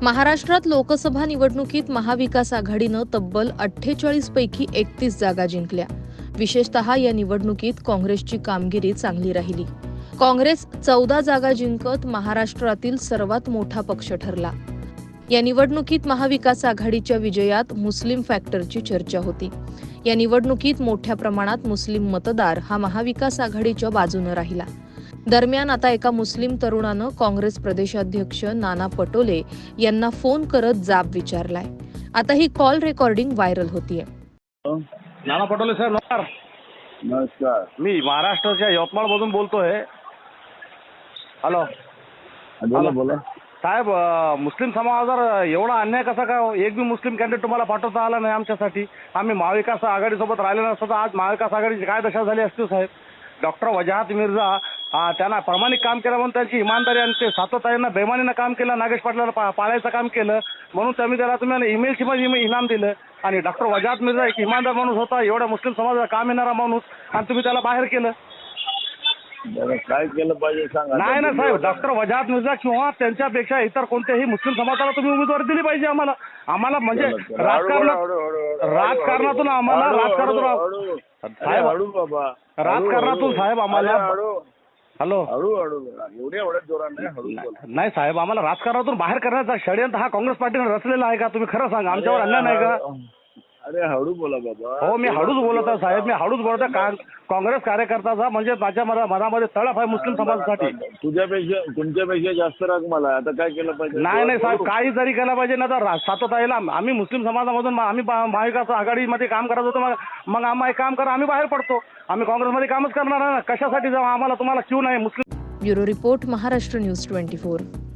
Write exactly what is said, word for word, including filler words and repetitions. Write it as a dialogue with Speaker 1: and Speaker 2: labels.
Speaker 1: महाराष्ट्रात लोकसभा निवडणुकीत महाविकास आघाडीनं तब्बल अठ्ठेचाळीस पैकी एकतीस जागा जिंकल्या। विशेषतः या निवडणुकीत काँग्रेसची कामगिरी चांगली राहिली। काँग्रेस चौदा जागा जिंकत महाराष्ट्रातील सर्वात मोठा पक्ष ठरला। या निवडणुकीत महाविकास आघाडीच्या विजयात मुस्लिम फॅक्टरची चर्चा होती। या निवडणुकीत मोठ्या प्रमाणात मुस्लिम मतदार हा महाविकास आघाडीच्या बाजूने राहिला। दरम्यान आता एका मुस्लिम तरुणानं काँग्रेस प्रदेशाध्यक्ष नाना पटोले यांना फोन करत जाब विचारलाय। आता ही कॉल रेकॉर्डिंग व्हायरल होतीये।
Speaker 2: नाना पटोले सर नमस्कार।
Speaker 3: नमस्कार।
Speaker 2: मी महाराष्ट्राच्या यवतमाळ मधून बोलतोय। हॅलो
Speaker 3: बोला बोला
Speaker 2: साहेब, अ, मुस्लिम समाजावर एवढा अन्याय कसा काय? एक बी मुस्लिम कॅन्डिडेट तुम्हाला पाठवता आला नाही आमच्यासाठी। आम्ही महाविकास आघाडीसोबत राहिले नसतो तर आज महाविकास आघाडीची काय दशा झाली असती साहेब? डॉक्टर वजाहत मिर्झा हा त्यांना प्रामाणिक काम केलं म्हणून त्यांची इमानदारी आणि ते सातत्यानं बेमानीनं काम केलं, नागेश पाटलाला पा, पाळायचं काम केलं म्हणून तुम्ही त्याला तुम्ही ईमेलची मध्ये इनाम दिलं। आणि डॉक्टर वजाहत मिर्झा एक इमानदार माणूस होता, एवढ्या मुस्लिम समाजाला काम येणारा माणूस, आणि तुम्ही त्याला बाहेर केलं।
Speaker 3: बरं, काय केलं पाहिजे सांगा।
Speaker 2: नाही ना साहेब, डॉक्टर वजाहत मिर्झा किंवा त्यांच्यापेक्षा इतर कोणत्याही मुस्लिम समाजाला तुम्ही उमेदवारी दिली पाहिजे आम्हाला। आम्हाला म्हणजे राजकारणात राजकारणातून आम्हाला राजकारणातून साहेब
Speaker 3: हळू बाबा
Speaker 2: राजकारणातून साहेब आम्हाला हॅलो
Speaker 3: हळू हळू एवढ्या एवढ्या जोरात नाही, हळू बोला।
Speaker 2: नाही साहेब, आम्हाला राजकारणातून बाहेर करण्याचा षडयंत्र हा काँग्रेस पार्टीने रचलेला आहे का? तुम्ही खरं सांगा, आमच्यावर अन्याय नाही का?
Speaker 3: अरे हळू बोला बाबा।
Speaker 2: हो, मी हळूच बोलत आहे साहेब, मी हळूच बोलत आहे। का- काँग्रेस कार्यकर्त्याचा म्हणजे माझ्या मना- मनामध्ये तळप आहे मुस्लिम समाजासाठी।
Speaker 3: तुझ्यापेक्षा तुमच्यापेक्षा जास्त राग मला। आता काय केलं पाहिजे?
Speaker 2: नाही नाही साहेब, काही जरी केलं पाहिजे ना तर सातत्याला आम्ही मुस्लिम समाजामधून आम्ही महा- महाविकास आघाडीमध्ये काम करत होतो, मग मग आम्हाला काम करा, आम्ही बाहेर पडतो। आम्ही काँग्रेसमध्ये कामच करणार ना, कशासाठी जाऊ? आम्हाला तुम्हाला क्यू नाही मुस्लिम।
Speaker 1: Bureau report, Maharashtra news twenty four.